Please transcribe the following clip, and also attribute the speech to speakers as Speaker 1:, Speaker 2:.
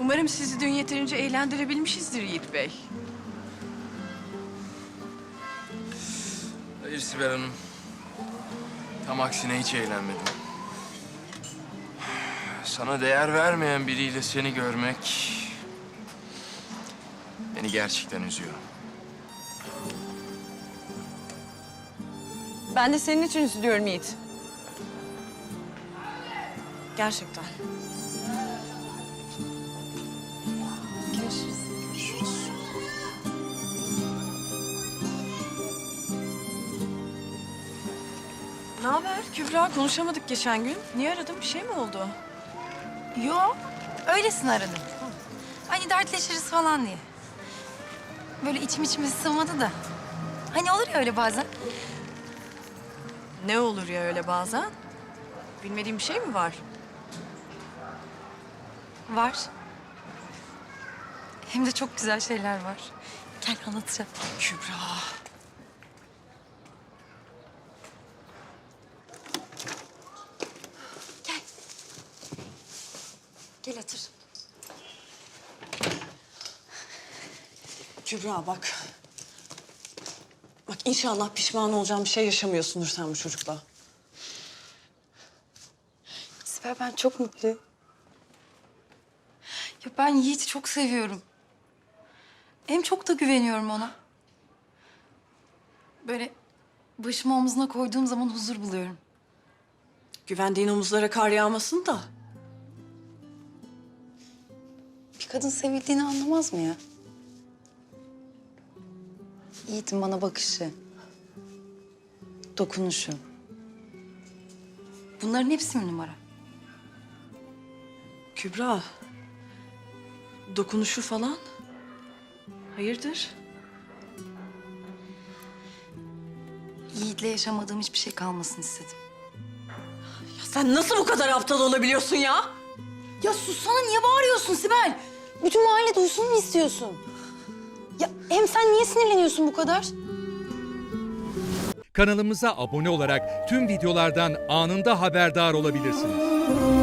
Speaker 1: Umarım sizi dün yeterince eğlendirebilmişizdir Yiğit Bey.
Speaker 2: Hayır Sibel Hanım. Tam aksine hiç eğlenmedim. Sana değer vermeyen biriyle seni görmek beni gerçekten üzüyor.
Speaker 1: Ben de senin için üzülüyorum Yiğit. Gerçekten.
Speaker 3: Görüşürüz.
Speaker 2: Görüşürüz.
Speaker 1: Ne haber Kübra? Konuşamadık geçen gün. Niye aradın? Bir şey mi oldu?
Speaker 3: Yo, öylesine aradım. Hani dertleşiriz falan diye. Böyle içime sığmadı da. Hani olur ya öyle bazen.
Speaker 1: Ne olur ya öyle bazen? Bilmediğim bir şey mi var?
Speaker 3: Var. Hem de çok güzel şeyler var. Gel anlatacağım.
Speaker 1: Kübra.
Speaker 3: Gel. Gel otur.
Speaker 4: Kübra bak. Bak inşallah pişman olacağım bir şey yaşamıyorsundur sen bu çocukla.
Speaker 3: Sibel ben çok mutluyum. Ya ben Yiğit'i çok seviyorum. Hem çok da güveniyorum ona. Böyle başımı omzuna koyduğum zaman huzur buluyorum.
Speaker 4: Güvendiğin omuzlara kar yağmasın da.
Speaker 3: Bir kadın sevildiğini anlamaz mı ya? Yiğit'in bana bakışı, dokunuşu. Bunların hepsi mi numara?
Speaker 4: Kübra. Dokunuşu falan. Hayırdır?
Speaker 3: Yiğit'le yaşamadığım hiçbir şey kalmasın istedim.
Speaker 4: Ya sen nasıl bu kadar aptal olabiliyorsun ya?
Speaker 3: Ya sussana, niye bağırıyorsun Sibel? Bütün mahalle duysun mu istiyorsun? Ya hem sen niye sinirleniyorsun bu kadar?
Speaker 5: Kanalımıza abone olarak tüm videolardan anında haberdar olabilirsiniz.